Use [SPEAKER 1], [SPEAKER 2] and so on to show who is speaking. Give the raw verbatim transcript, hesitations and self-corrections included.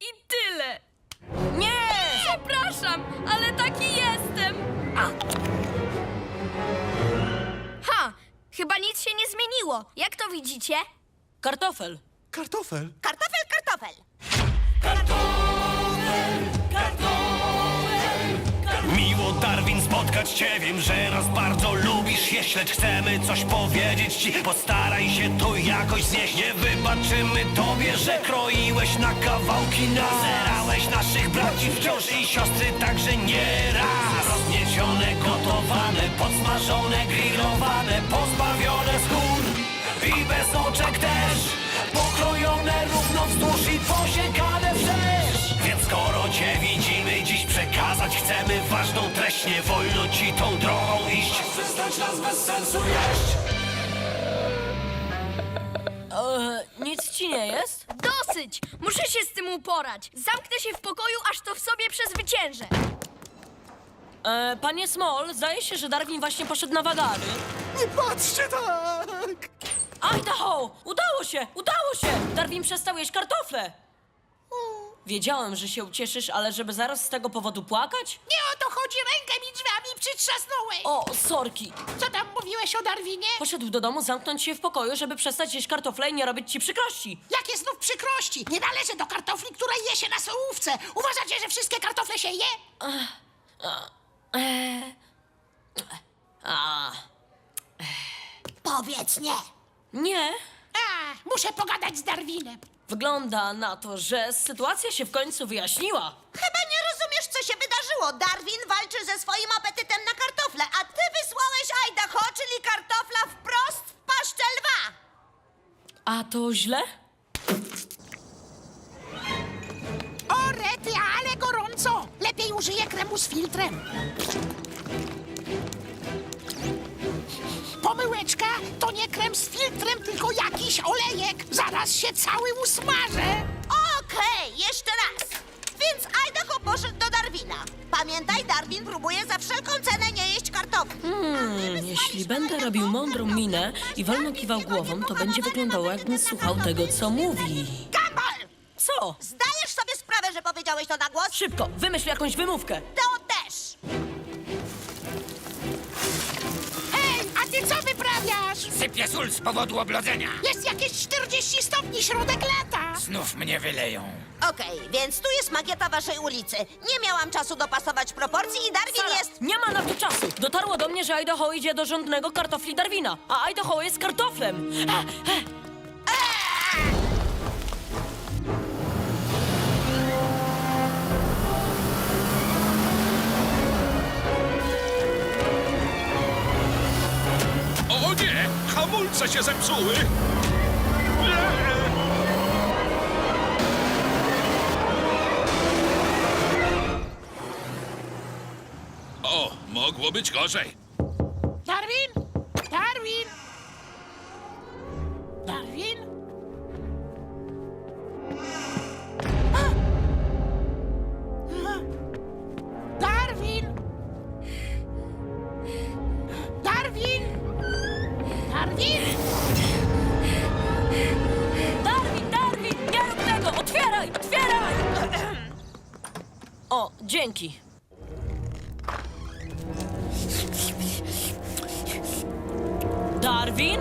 [SPEAKER 1] I tyle.
[SPEAKER 2] Nie!
[SPEAKER 1] Przepraszam, ale taki jestem. Ha! Chyba nic się nie zmieniło. Jak to widzicie?
[SPEAKER 2] Kartofel.
[SPEAKER 3] Kartofel.
[SPEAKER 4] Kartofel, kartofel.
[SPEAKER 5] Miło, Darwin, spotkać cię. Wiem, że nas bardzo lubisz jeść, lecz chcemy coś powiedzieć ci. Postaraj się to jakoś znieść. Nie wybaczymy tobie, że kroiłeś na kawałki nas. Zerałeś naszych braci wciąż i siostry także nie raz. Rozgniecione, gotowane, podsmażone, grillowane, pozbawione skór i bez oczek też. Pokrojone równo wzdłuż i posiekane wszerz. Więc skoro cię widzimy, dziś przekazać chcemy ważną treść. Nie wolno ci tą drogą iść. Przestać nas bez sensu jeść.
[SPEAKER 2] E, nic ci nie jest?
[SPEAKER 1] Dosyć! Muszę się z tym uporać. Zamknę się w pokoju, aż to w sobie przezwyciężę.
[SPEAKER 2] E, panie Small, zdaje się, że Darwin właśnie poszedł na wagary.
[SPEAKER 3] Nie patrzcie tak!
[SPEAKER 2] Idaho! Udało się! Udało się! Darwin przestał jeść kartofle! Wiedziałem, że się ucieszysz, ale żeby zaraz z tego powodu płakać?
[SPEAKER 6] Nie o to chodzi, rękę mi drzwiami przytrzasnąłeś.
[SPEAKER 2] O, sorki!
[SPEAKER 6] Co tam mówiłeś o Darwinie?
[SPEAKER 2] Poszedł do domu zamknąć się w pokoju, żeby przestać jeść kartofle i nie robić ci przykrości.
[SPEAKER 6] Jakie znów przykrości? Nie należy do kartofli, które je się na sołówce. Uważacie, że wszystkie kartofle się je?
[SPEAKER 2] A,
[SPEAKER 4] Powiedz nie.
[SPEAKER 2] nie.
[SPEAKER 6] A, muszę pogadać z Darwinem.
[SPEAKER 2] Wygląda na to, że sytuacja się w końcu wyjaśniła.
[SPEAKER 4] Chyba nie rozumiesz, co się wydarzyło. Darwin walczy ze swoim apetytem na kartofle, a ty wysłałeś Idaho, czyli kartofla wprost w paszczę lwa.
[SPEAKER 2] A to źle?
[SPEAKER 6] O, rety, ale gorąco. Lepiej użyję kremu z filtrem. Pomyłeczka, to nie krem z filtrem, tylko jakiś olejek. Zaraz się cały usmażę.
[SPEAKER 4] Okej, jeszcze raz. Więc Idaho poszedł do Darwina. Pamiętaj, Darwin próbuje za wszelką cenę nie jeść kartofli.
[SPEAKER 2] Hmm, jeśli będę robił mądrą minę i wolno kiwał głową, to będzie wyglądało, jakbym słuchał tego, co mówi.
[SPEAKER 4] Gumball!
[SPEAKER 2] Co?
[SPEAKER 4] Zdajesz sobie sprawę, że powiedziałeś to na głos?
[SPEAKER 2] Szybko, wymyśl jakąś wymówkę.
[SPEAKER 4] To też.
[SPEAKER 6] Hej, a ty co wyprawiasz?
[SPEAKER 7] Sypię sól z powodu oblodzenia.
[SPEAKER 6] Jest jakieś czterdzieści stopni środek lata.
[SPEAKER 7] Znów mnie wyleją.
[SPEAKER 4] Okej, więc tu jest makieta waszej ulicy. Nie miałam czasu dopasować proporcji i Darwin
[SPEAKER 2] Sara,
[SPEAKER 4] jest...
[SPEAKER 2] nie ma na to czasu. Dotarło do mnie, że Idaho idzie do rządnego kartofli Darwina, a Idaho jest kartoflem. E, e,
[SPEAKER 8] O nie! Hamulce się zepsuły! O, mogło być gorzej.
[SPEAKER 6] Darwin? Darwin? Darwin? A! A! Darwin? Darwin? Darwin?
[SPEAKER 2] Darwin, Darwin, nie rób tego! Otwieraj, otwieraj! O, dzięki.